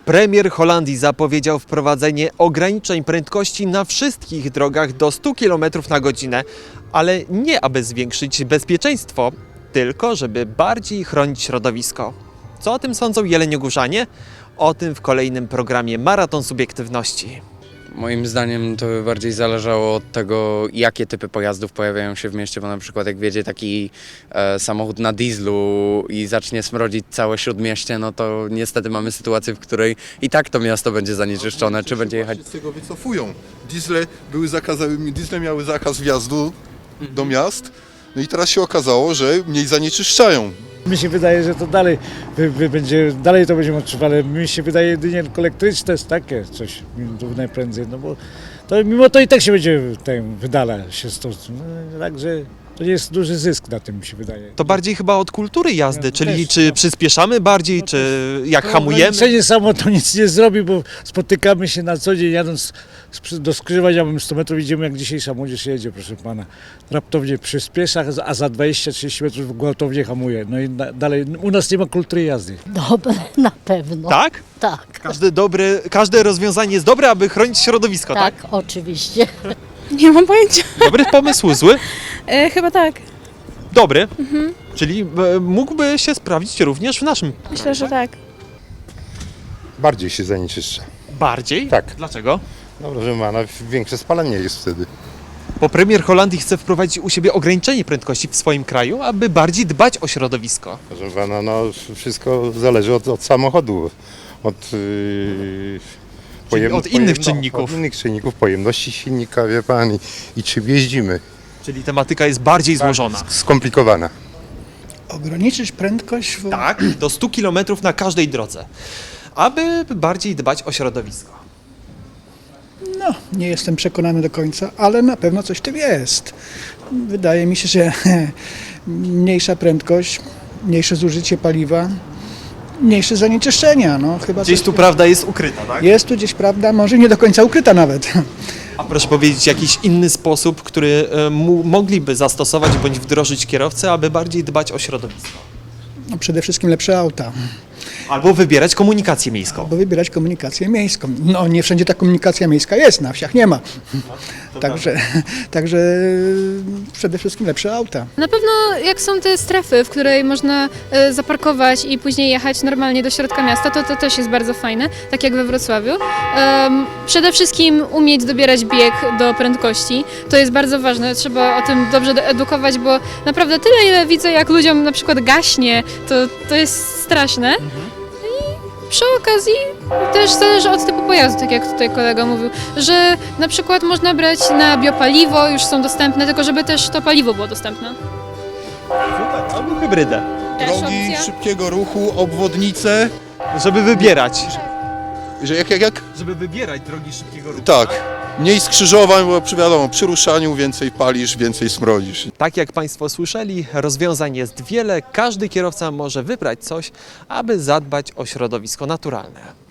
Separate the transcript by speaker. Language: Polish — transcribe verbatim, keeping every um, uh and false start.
Speaker 1: Premier Holandii zapowiedział wprowadzenie ograniczeń prędkości na wszystkich drogach do stu kilometrów na godzinę, ale nie aby zwiększyć bezpieczeństwo, tylko żeby bardziej chronić środowisko. Co o tym sądzą jeleniogórzanie? O tym w kolejnym programie Maraton Subiektywności.
Speaker 2: Moim zdaniem to by bardziej zależało od tego, jakie typy pojazdów pojawiają się w mieście, bo na przykład jak wjedzie taki e, samochód na dieslu i zacznie smrodzić całe śródmieście, no to niestety mamy sytuację, w której i tak to miasto będzie zanieczyszczone, czy będzie jechać...
Speaker 3: Z tego wycofują. Diesle, były zakazy, diesle miały zakaz wjazdu do miast, no i teraz się okazało, że mniej zanieczyszczają.
Speaker 4: Mi się wydaje, że to dalej wy, wy będzie, dalej to będziemy odczuwali. Mi się wydaje jedynie elektryczne jest takie coś najprędzej, no bo to mimo to i tak się będzie ten, wydala się stąd. No, także to nie jest duży zysk na tym, mi się wydaje.
Speaker 1: To bardziej chyba od kultury jazdy,
Speaker 4: Ja
Speaker 1: czyli
Speaker 4: też,
Speaker 1: czy
Speaker 4: no.
Speaker 1: przyspieszamy bardziej,
Speaker 4: No
Speaker 1: czy jak
Speaker 4: To
Speaker 1: hamujemy.
Speaker 4: ograniczenie samo to nic nie zrobi, bo spotykamy się na co dzień jadąc do skrzyżowania, mamy sto metrów, idziemy jak dzisiejsza młodzież jedzie, proszę pana. Raptownie przyspiesza, a za dwadzieścia trzydzieści metrów gwałtownie hamuje. No i na, dalej, u nas nie ma kultury jazdy.
Speaker 5: Dobre, na pewno.
Speaker 1: Tak?
Speaker 5: Tak,
Speaker 1: Każde, dobre, każde rozwiązanie jest dobre, aby chronić środowisko, tak?
Speaker 5: tak, oczywiście.
Speaker 6: Nie mam pojęcia.
Speaker 1: Dobry pomysł, zły?
Speaker 6: E, chyba tak.
Speaker 1: Dobry. Czyli e, mógłby się sprawdzić również w naszym
Speaker 6: Myślę, że tak.
Speaker 7: Bardziej się zanieczyszcza.
Speaker 1: bardziej?
Speaker 7: Tak.
Speaker 1: Dlaczego?
Speaker 7: No proszę pana, większe spalanie jest wtedy.
Speaker 1: Bo premier Holandii chce wprowadzić u siebie ograniczenie prędkości w swoim kraju, aby bardziej dbać o środowisko.
Speaker 7: Proszę pana, no wszystko zależy od, od samochodu, od, yy,
Speaker 1: Czyli od innych czynników.
Speaker 7: Od innych czynników, pojemności silnika, wie pan, i, i czym jeździmy.
Speaker 1: Czyli tematyka jest bardziej złożona.
Speaker 7: Skomplikowana.
Speaker 8: Ograniczyć prędkość w...
Speaker 1: Tak, do stu kilometrów na każdej drodze, aby bardziej dbać o środowisko.
Speaker 8: No, nie jestem przekonany do końca, ale na pewno coś w tym jest. Wydaje mi się, że mniejsza prędkość, mniejsze zużycie paliwa, mniejsze zanieczyszczenia. No, chyba
Speaker 1: Gdzieś
Speaker 8: coś
Speaker 1: tu prawda jest ukryta, tak?
Speaker 8: jest tu gdzieś prawda, może nie do końca ukryta nawet.
Speaker 1: A proszę powiedzieć jakiś inny sposób, który e, mu, mogliby zastosować bądź wdrożyć kierowcy, aby bardziej dbać o środowisko.
Speaker 8: No, przede wszystkim lepsze auta,
Speaker 1: Albo wybierać komunikację miejską.
Speaker 8: bo wybierać komunikację miejską. No, nie wszędzie ta komunikacja miejska jest, na wsiach nie ma. Także, także przede wszystkim lepsze auta.
Speaker 6: Na pewno jak są te strefy, w której można e, zaparkować i później jechać normalnie do środka miasta, to to też jest bardzo fajne, tak jak we Wrocławiu. Em, przede wszystkim umieć dobierać bieg do prędkości, to jest bardzo ważne, trzeba o tym dobrze edukować, bo naprawdę tyle, ile widzę, jak ludziom na przykład gaśnie, to, to jest straszne. Przy okazji też zależy od typu pojazdu, tak jak tutaj kolega mówił, że na przykład można brać na biopaliwo, już są dostępne, tylko żeby też to paliwo było dostępne.
Speaker 1: Super, albo hybrydę.
Speaker 6: Też
Speaker 3: Drogi
Speaker 6: opcja.
Speaker 3: szybkiego ruchu, obwodnice,
Speaker 1: Żeby wybierać.
Speaker 3: że jak, jak, jak?
Speaker 1: Żeby wybierać drogi szybkiego ruchu.
Speaker 3: Tak. Mniej skrzyżowań, bo przy- wiadomo, przy ruszaniu więcej palisz, więcej smrodzisz.
Speaker 1: Tak jak Państwo słyszeli, rozwiązań jest wiele. Każdy kierowca może wybrać coś, aby zadbać o środowisko naturalne.